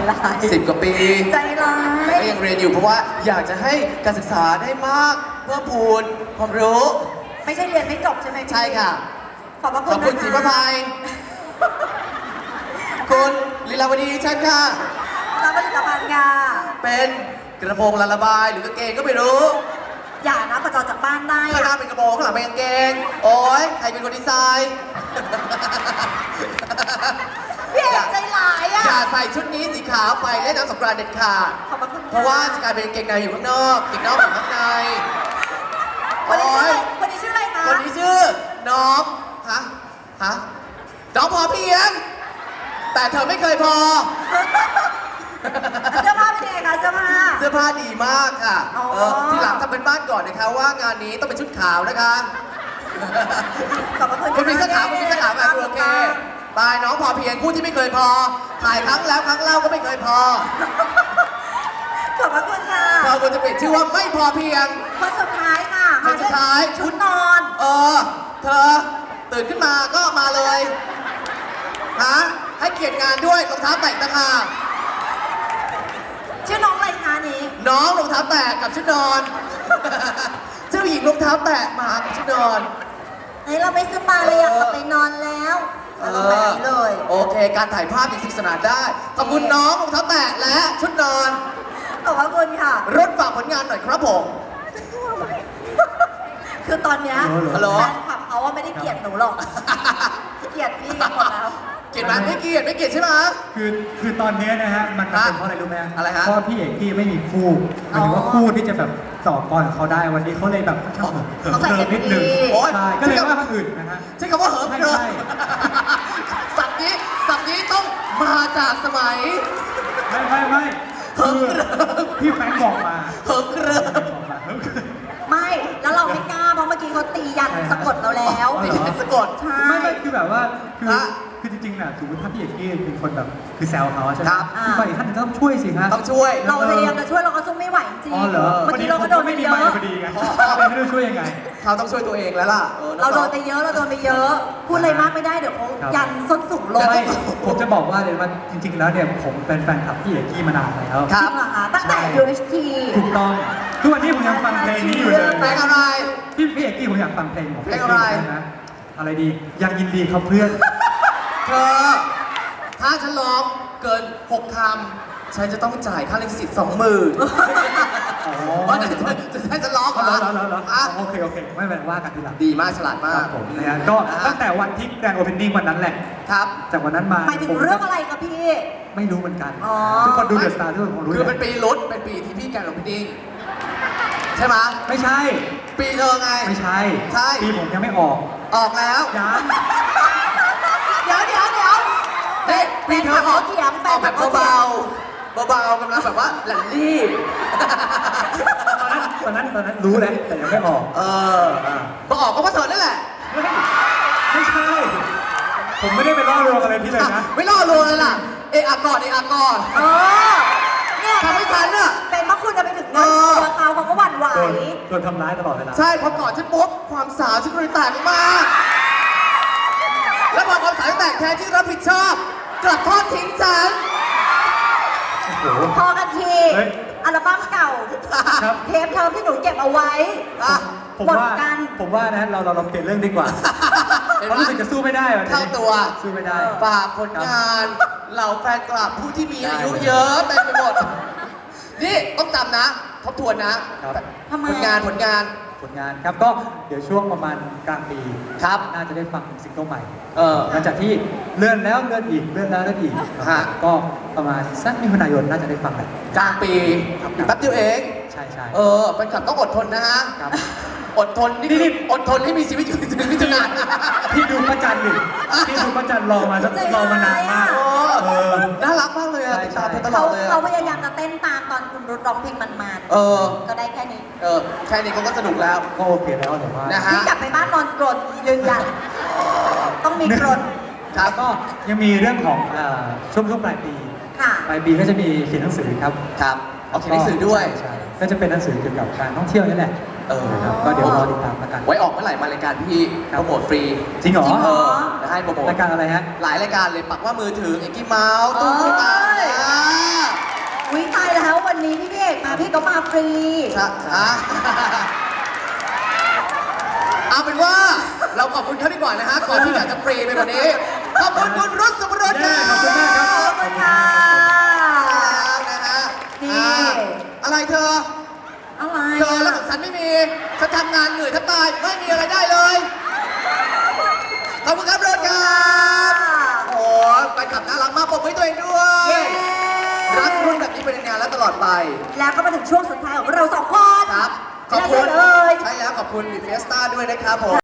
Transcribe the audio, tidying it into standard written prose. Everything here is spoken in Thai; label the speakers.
Speaker 1: ร้าย
Speaker 2: 10 กว่าปี
Speaker 1: ใจร้าย
Speaker 2: ก็ยังเรียนอยู่เพราะว่าอยากจะให้การศึกษาได้มากเพิ่มพูนความรู้
Speaker 1: ไม่ใช่เรียนไม่จบใช่ไหมพี่
Speaker 2: ใช่ค่ะ
Speaker 1: ขอบพระ
Speaker 2: ข
Speaker 1: คุ
Speaker 2: อ
Speaker 1: ณ
Speaker 2: บ
Speaker 1: นะคะ
Speaker 2: คุณศรีประภัยคุณลีลาวดีเช่นค่ะ
Speaker 1: รับผลิตภัณฑ์ค่ะ
Speaker 2: เป็นกระโปรงละระบายหรือกางเกงก็ไม่รู้
Speaker 1: อย่านะประจอจากบ้านได้
Speaker 2: ข้างหน้า
Speaker 1: อะ
Speaker 2: เป็นกระโปรงข้างหลังเป็นกางเกง โอ๊ยใครเป็นคนดีไซน์
Speaker 1: พี่เอกใจร้ายอ่ะ
Speaker 2: อย่าใส่ชุดนี้สีขาวไปเล่นน้ำสงกรานต์เด็ดขาด
Speaker 1: ขอบพระคุณค่
Speaker 2: เพราะว่าจะกลายเป็นกางเกงในอยู่ข้างนอกกางเกงนอกอยู่ข้างใน
Speaker 1: คนนี้ชื่อ
Speaker 2: โอ๊
Speaker 1: อะไร
Speaker 2: ย
Speaker 1: คนนี้ชื่ออะไรคะ
Speaker 2: คนนี้ชื่อน้องฮะน้องพอเพียง แต่เธอไม่เคยพอ
Speaker 1: เสื้อผ้าเป็นยังไงคะเสื้อผ้า
Speaker 2: เสื้อผ้าดีมากค่ะ
Speaker 1: อ๋อ
Speaker 2: ทีหลังทำเป็นบ้านก่อนนะคะว่างานนี้ต้องเป็นชุดขาวนะคะ
Speaker 1: ขอบพระคุณ
Speaker 2: คุณมีเสื้อขาวคุณมีเสื้อขาวแบบโอเคบายน้องพอเพียงคู่ที่ไม่เคยพอ ถ่ายครั้งแล้วครั้งเล่าก็ไม่เคยพอ
Speaker 1: ขอบพระคุณค่ะ
Speaker 2: เราควรจะเปลี่ยนชื่อว่าไม่พอเพียง
Speaker 1: คนสุดท้ายค่ะ
Speaker 2: คนสุดท้าย
Speaker 1: ชุดนอน
Speaker 2: เธอตื่นขึ้นมาก็มาเลยฮะให้เกียรติงานด้วยรองเท้าแตะต่างหาก
Speaker 1: ชื่อน้องอะไรคะนี้
Speaker 2: น้องรองเท้าแตะกับชุดนอน เจ้าหญิงรองเท้าแตะมากับชุดนอน
Speaker 1: เฮ้ยเราไม่ซื้อมาเลยอยากกลับไปนอนแล้วเราต้องแบบนี้เลย
Speaker 2: โอเค การถ่ายภาพยังสนุกสนานได้ ขอบคุณน้องรองเท้าแตะและชุดนอน
Speaker 1: ขอบพระคุณค่ะ
Speaker 2: รถฝากผลงานหน่อยครับผม
Speaker 1: คือตอนเนี้ย
Speaker 2: ฮัลโหล
Speaker 1: แฟนคลับเขาว่าไม่ได้เกลียดหนูหรอก เกลียดพี่หมดแล้ว
Speaker 2: เกลียดไหมไม่เกลียดไม่เกลียดใช่ไหม
Speaker 3: คือตอนนี้นะฮะมันเป็นเพราะอะไรรู้ไหม
Speaker 2: อะไรฮะ
Speaker 3: เพราะพี่เอกพี่ไม่มีคู่หมายถึงว่าคู่ที่จะแบบต่อกรกับเขาได้วันนี้เขาเลยแบบเหิม
Speaker 1: เขาใส่
Speaker 3: เกินนิดนึง
Speaker 1: เต็มที่
Speaker 2: โอ๊ย
Speaker 3: ใช่ก็เลยว่าคนอื่นนะฮะ
Speaker 2: ใช้คำว่าเหิมเกริม
Speaker 3: ใช่
Speaker 2: สับนี้ต้องมาจากสมัย
Speaker 3: ไม่
Speaker 2: เหิมเกริม
Speaker 3: พี่แฟรงค์บอกมา
Speaker 2: เหิมเกริม
Speaker 3: บอกมาเหิมเกิน
Speaker 1: ไม่ แล้วเราไม่กล้าเพราะเมื่อกี้เขาตียันสะกดเราแล้ว
Speaker 3: อ๋อเหรอ
Speaker 2: สะกด
Speaker 1: ใช่
Speaker 3: ไม่คือแบบว่าคือ
Speaker 2: ฮะ
Speaker 3: คือจริงๆน่ะสมมติถ้าพี่เอกกี้เป็นคนแบบคือแซวเขาใช่ไหม
Speaker 2: ครับ
Speaker 3: พี่ฝ่ายอีกท่านหนึงก็ต้องช่วยสิฮะ
Speaker 2: ต้องช่วย
Speaker 1: เราพยายามจะช่วยเราก็สู้ไม่ไหวจริง
Speaker 3: อ๋อเหรอ
Speaker 1: เมื่อกี้เราก็โดนไป
Speaker 3: ไม่มี
Speaker 1: เย
Speaker 3: ไม
Speaker 1: อะ
Speaker 3: ค์พอดีไงเลยไม่รู้ช่วยยังไง
Speaker 2: เขาต้องช่วยตัวเองแล้วล่ะ
Speaker 1: เราโดนไปเยอะเราโดนไปเยอะ พูดอะไรมากไม่ได้เดี๋ยวเขา
Speaker 3: ครับ
Speaker 1: ยันส้นสูงลง
Speaker 3: ไม่ผมจะบอกว่าเลยว่าจริง ๆ แล้วเนี่ยผมเป็นแฟนคลับพี่เอกกี้มานานแล้ว
Speaker 2: ค
Speaker 1: จ
Speaker 2: รั
Speaker 1: ริ
Speaker 2: บ
Speaker 1: งเหรอคะตั้งแต่ UHT
Speaker 3: ถูกต้องทุกวันนี้ผมยังฟังเพลงนี้อยู่เลย
Speaker 2: เพลงอะไร
Speaker 3: พี่เอกกี้ผมอยากฟังเพลงของ
Speaker 2: เพลงอะไร
Speaker 3: นะอะไรดียังยินดีครับเพื่อน
Speaker 2: เธอ ถ้าฉันร้องเกิน 6 คำ ฉันจะต้องจ่ายค่าลิขสิทธิ์ 20,000
Speaker 3: อ๋อ
Speaker 2: เพราะจะให้ฉันร้อง
Speaker 3: เหรอเหรอเหรอ
Speaker 2: อ่ะ
Speaker 3: โอเคไม่เป็นไรว่ากันทีหลัง
Speaker 2: ดีมากฉลาด
Speaker 3: ค
Speaker 2: มา
Speaker 3: รั
Speaker 2: ก
Speaker 3: บผมนะฮะก็ตั้งแต่วันที่แกรนด์โอเพนนิ่งวันนั้นแหละ
Speaker 2: ครับ
Speaker 3: จากวันนั้นมา
Speaker 1: หมายถึงเรื่องอะไรคะพี่
Speaker 3: ไม่รู้เหมือนกัน
Speaker 1: อ๋อ
Speaker 3: ทุกคนดูเดอะสตาร์ทุกคนคงรู้
Speaker 2: คือ
Speaker 3: แห
Speaker 2: เป็น
Speaker 3: ละ
Speaker 2: ปีลุ้นเป็นปีที่พี่แกนลงพิดิ้งใช่ไหม
Speaker 3: ไม่ใช่
Speaker 2: ปีเธอไง
Speaker 3: ไม่ใช่
Speaker 2: ใช่
Speaker 3: ปีผมยังไม่ออก
Speaker 2: ออกแล้ว
Speaker 3: ยัง
Speaker 1: เดี๋ยว
Speaker 2: เฮ้ยปีเธอออก
Speaker 1: เถียง
Speaker 2: ออกแบบเบาๆเบาๆกำลังแบบว่าหลั่นรีบ
Speaker 3: ตอนนั้นรู้แล้วแต่ยังไม่ออก
Speaker 2: พอออกก็เพราะเธอนั่นแหละ
Speaker 3: เฮ้ยไม่ใช่ ผมไม่ได้ไปล่อลวงอะไรพี่เลยนะ
Speaker 2: ไม่ล่อลวงเลยล่ะ เอะอะก่อนเอะอะก่อน
Speaker 1: เออเนี่ย
Speaker 2: ทำให้ฉันน่ะ
Speaker 1: เป็นเพราะคุณจะไปถึงเงินตัวเขาก็หวั่นไหว
Speaker 3: โดนทำร้ายตลอดเวลา
Speaker 2: ใช่พอก่อนฉันปุ๊บความสาวฉันก็เลยแตกออกมา แล้วพอความสาวแตกแทนที่รับผิดชอบ กลับทอดทิ้งฉัน
Speaker 3: โอ้โห
Speaker 1: พอกันที
Speaker 3: เฮ้ย
Speaker 1: อัลบั้มเก่า
Speaker 3: ครับ
Speaker 1: เทปเทอมที่หนูเก็บเอาไว้
Speaker 2: อ่ะ
Speaker 3: ผม
Speaker 1: หมด
Speaker 3: ว่า
Speaker 1: กัน
Speaker 3: ผมว่านะเราเปลี่ยนเรื่องดีกว่า
Speaker 2: เห็น
Speaker 3: เพราะ
Speaker 2: ไหม
Speaker 3: รู้สึกจะสู้ไม่ได้วันนี้
Speaker 2: เข้าตัว
Speaker 3: สู้ไม่ได้
Speaker 2: ฝากผลงานเหล่าแฟนคลับผู้ที่มีอายุเยอะเต็มไปหมด นี่ต้องจำนะ ทบทวนนะครับ
Speaker 1: ทำไม
Speaker 2: ผลงาน
Speaker 3: ผลงานครับก็เดี๋ยวช่วงประมาณกลางปี
Speaker 2: ครับ
Speaker 3: น่าจะได้ฟังซิงเกิลใหม่
Speaker 2: ห
Speaker 3: หลังจากที่เลื่อนแล้วเลื่อนอีกเลื่อนแล้วเลื่อนอีก
Speaker 2: ฮะ
Speaker 3: ก็ประมาณสักมิถุนายนน่าจะได้ฟังกัน
Speaker 2: กลางปีอีกแป๊บเดียวเอง
Speaker 3: ใช่ใช่
Speaker 2: แฟนคลับต้องอดทนนะฮะ
Speaker 3: ครับ
Speaker 2: อดทนนี่คืออดทนให้มีชีวิตอยู่ถึงมิถุนายน
Speaker 3: พี่ดูพระจันทร์ดิพี่ดูพระจันทร์รอมานานมาก
Speaker 2: โอ้
Speaker 3: เออ
Speaker 2: น่ารักมากเลยอะ
Speaker 3: ใช่
Speaker 2: ติดตามเธอตล
Speaker 1: เขา
Speaker 2: อดเลย
Speaker 1: เขา
Speaker 2: อะ
Speaker 1: พยายามจะเต้นตามตอนคุณรุดร้องเพลงมัน ก็ได้แค่นี้
Speaker 2: แค่นี้เขาก็สนุกแล้ว
Speaker 3: ก็โอเคแล้วแต่ว่า
Speaker 2: นะฮะ
Speaker 1: พี่กลับไปบ้านนอนกรนยืนยันต้องมีกรน
Speaker 3: แล้วก็ยังมีเรื่องของช่วงปลายปี
Speaker 1: ค่ะ
Speaker 3: ปลายปีก็จะมีเขียนหนังสือครับ
Speaker 2: ครับเอาเขียนหนังสือด้วย
Speaker 3: ใช่ก็จะเป็นหนังสือเกี่ยวกับการท่องเที่ยวนี่แหละ นะครับก็เดี๋ยวรอติดตามแล้วกัน
Speaker 2: ไว้ออกเมื่อไหร่มารายการพี่
Speaker 3: ครั
Speaker 2: โป
Speaker 3: บ
Speaker 2: รโมทฟรี
Speaker 3: จริงเหรอ
Speaker 2: จะให้โปรโมท
Speaker 3: รายการอะไรฮะ
Speaker 2: หลายรายการเลยปักว่ามือถือเอ็กกี้เมาส์ตู้ตา
Speaker 1: เอ้ยพี่ก็มาฟรี
Speaker 2: เอาเป็นว่าเราขอบคุณเขาดีกว่านะฮะก่อนที่อยากจะฟรีไปกว่านี้ขอบคุณคุณรุ่นสุภรสครับ
Speaker 3: ขอบคุณมากครับ
Speaker 1: ขอบคุณค่ะ
Speaker 2: นะฮะ
Speaker 1: นี่
Speaker 2: อะไรเธอ
Speaker 1: อะไร
Speaker 2: เธอแล้วของฉันไม่มีฉันทำงานเหนื่อยแทบตายไม่มีอะไรได้เลยขอบคุณครับรุ่นครับโอ้ยไปขับน่ารักมากปรบมือให้ตัวเองด้วย
Speaker 1: เย้
Speaker 2: รักรุ่นแบบนี้เป็นนานๆและตลอดไป
Speaker 1: แล้วก็มาถึงช่วงสุดท้ายของเราสองคน
Speaker 2: ครับ ขอบคุณ
Speaker 1: ได้เลย
Speaker 2: ใช่แล้วขอบคุณบิเฟสต้าด้วยนะครับผม